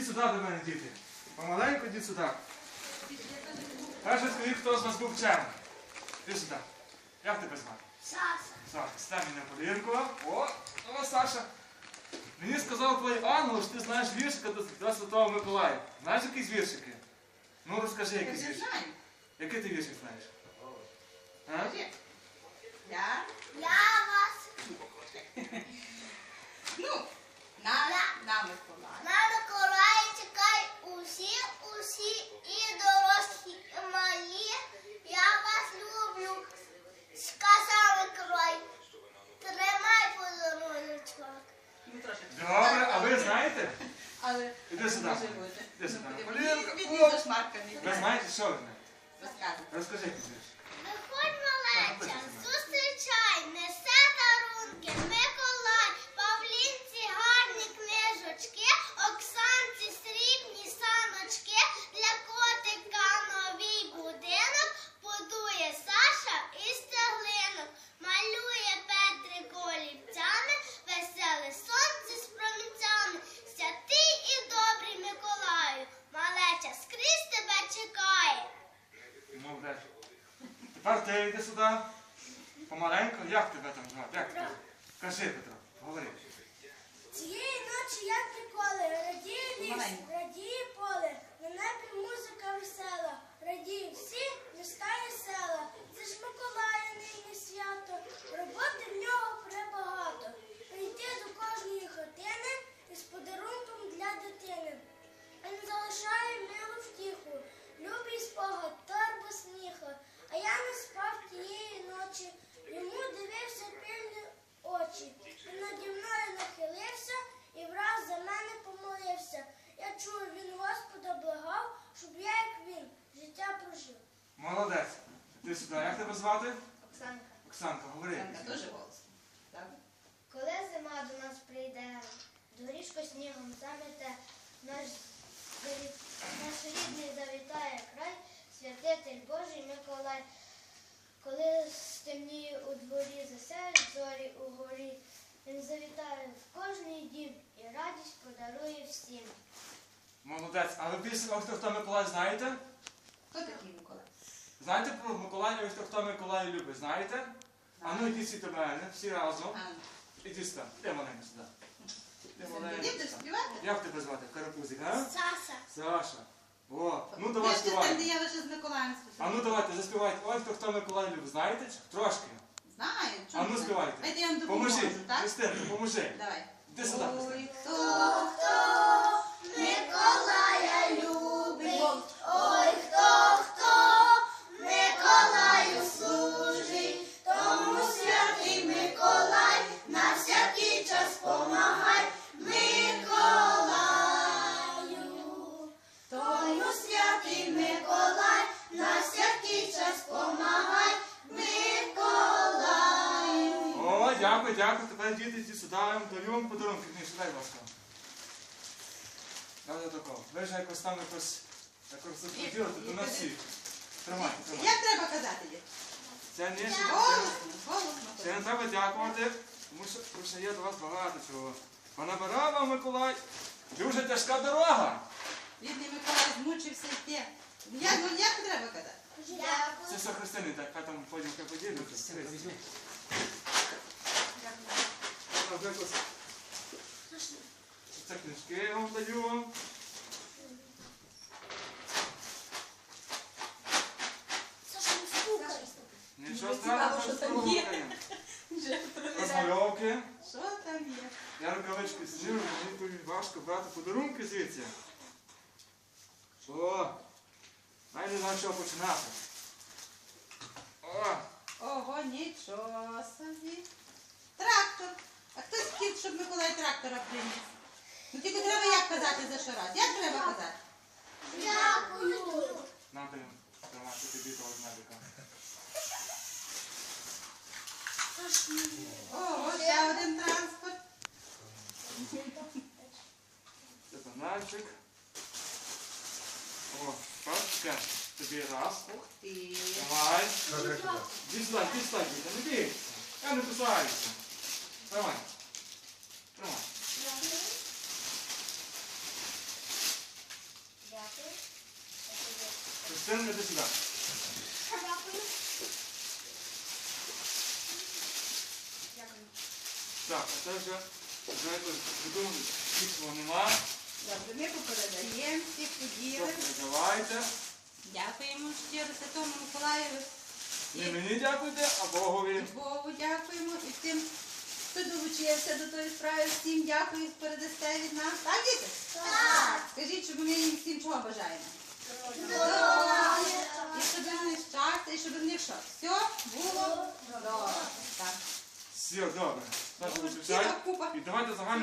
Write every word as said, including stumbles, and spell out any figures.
Ідіть сюди до мене, діти. Помаленьку йдіть сюди. Перше скажіть, хто з вас був вчений. Іди сюди. Як тебе звати? Саша. Саша, стань мене подивірку. О, о, Саша. Мені сказав твій ангел, що ти знаєш віршика до, до Святого Миколая. Знаєш якісь віршики? Ну розкажи якийсь Я віршик. знаю. Який ти віршик знаєш? А? Скажи. Я? Я вас Ну, на, на Миколая. на Миколая чекай усі, усі і дорослі, і малі. Я вас люблю, сказав Миколай. Тримай подаруночок. Ну, трошки. Добре, а ви знаєте? Але Іди сюди. може бути. Іди сюди. Ну, Полінка, від- від- о! від зашмарканий. Ви знаєте, що ви знаєте? Розказуй. Розкажи якийсь вірш. Виходь, малеча, зустрічай, несе дарунки, Миколай, Павлінці гарні книжечки, Оксанці срібні саночки, для котика новий будинок, будує Саша із цеглинок, малює Петрик олівцями, веселе сонце з промінцями, святий і добрий Миколаю, малеча скрізь тебе чекає. Молодець. Тепер ти йди сюди. Помаленьку. Як тебе там звати? Як тебе? Кажи, Петро, говори. Цієї ночі, як ніколи, радіє ліс, Маленько. радіє поле, на небі музика весела, радіє всі міста і села. Це ж Миколая нині свято, роботи в нього пребагато. Прийти до кожної хатини із подарунком для дитини. Він залишає милу втіху, любий спогад, торбу сміха. А я не спав тієї ночі, йому дивився пильні очі. Він наді мною нахилився і враз за мене помолився. Я чую, він Господа благав, щоб я, як він, життя прожив. Молодець. Ти сюди. Як тебе звати? Оксанка. Оксанка, говори. Оксанка дуже голосно. Так? Коли зима до нас прийде, доріжко снігом замете, наш, наш рідний завітає край, святитель Божий Миколай. Коли стемніє у дворі, засяють зорі угорі, він завітає в кожний дім і радість подарує всім. Молодець. А ви пісню «Ох, хто, хто Миколай» знаєте? Хто такий Миколай? Знаєте про Миколая «Ох, хто, хто Миколай любить»? Знаєте? А ну йдіть всі до мене, всі разом. А, Ідіть сюди. Іди маленько сюди. Іди маленько. Ти будеш співати? Як тебе звати? Карапузик, а? Саса. Саша. О, ну давай Ти ж там, де співай. я лише з Миколаєм А співаю. ну давайте, заспівайте. Ой, хто, хто Миколай любить. Знаєте? Трошки. Знаю. А чому ну це? співайте. Дайте я вам допоможу, Поможи. так? Христинко, поможи. Давай. Іди сюди, Христинко. Ой, хто Миколая любить, ой, хто, хто Миколаю служить, тому святий Миколай на всякий час помагай Миколаю. Тому святий Миколай на всякий час помагай Миколаю. О, дякую, дякую. Тепер діти, йдіть сюди, я вам даю вам подарунки. Книжку, дай, будь ласка. Давайте такого. Ви ж якось там якось якось розподілити, то на всіх. Тримайте, тримайте. Як треба казати? Дід? Це не ще. Голосно, голосно. Це не треба дякувати, тому що, тому що є до вас багато чого. Понабирав вам Миколай. Дуже тяжка дорога. Бідний Миколай змучився йти. Як, ну, як треба казати? Це все Христини, так, хай там потім хай поділються. Це книжки я вам даю вам. Нічого страшного, що що там там є. є. Вже перевіряю. Розмальовки. Що там є? Я рукавички зніму, мені тут важко брати подарунки звідси. О, навіть не знаю, з чого починати. О, Ого, нічого собі. Трактор. А хтось хотів, щоб Миколай трактора приніс? Ну тільки треба як казати за що раз? Як треба казати? Дякую. нам даємо тримати тобі того медика. Ого, ще один транспорт. Це панальчик. О, пачка. Тобі раз. Ух ти. Давай. Іди сюди, іди сюди, діти, не бійся. Я не кусаюся. Давай. Давай. Син, іди сюди. Дякую. Так, а це вже, вже якось придумали, світло нема. Добре, ми попередаємо, всіх поділи. Давайте. Дякуємо щиро Святому Миколаєві. І Не мені дякуйте, а Богові. Богу дякуємо. І тим, хто долучився до тої справи, всім дякую, передасте від нас. Так, діти? Так. Скажіть, щоб ми їм всім чого бажаємо? Здоров'я. І щоб в них щастя, і щоб в них що? Все було добре. Так. Все, добре. Наша Ціла виключай. купа. І давайте загально.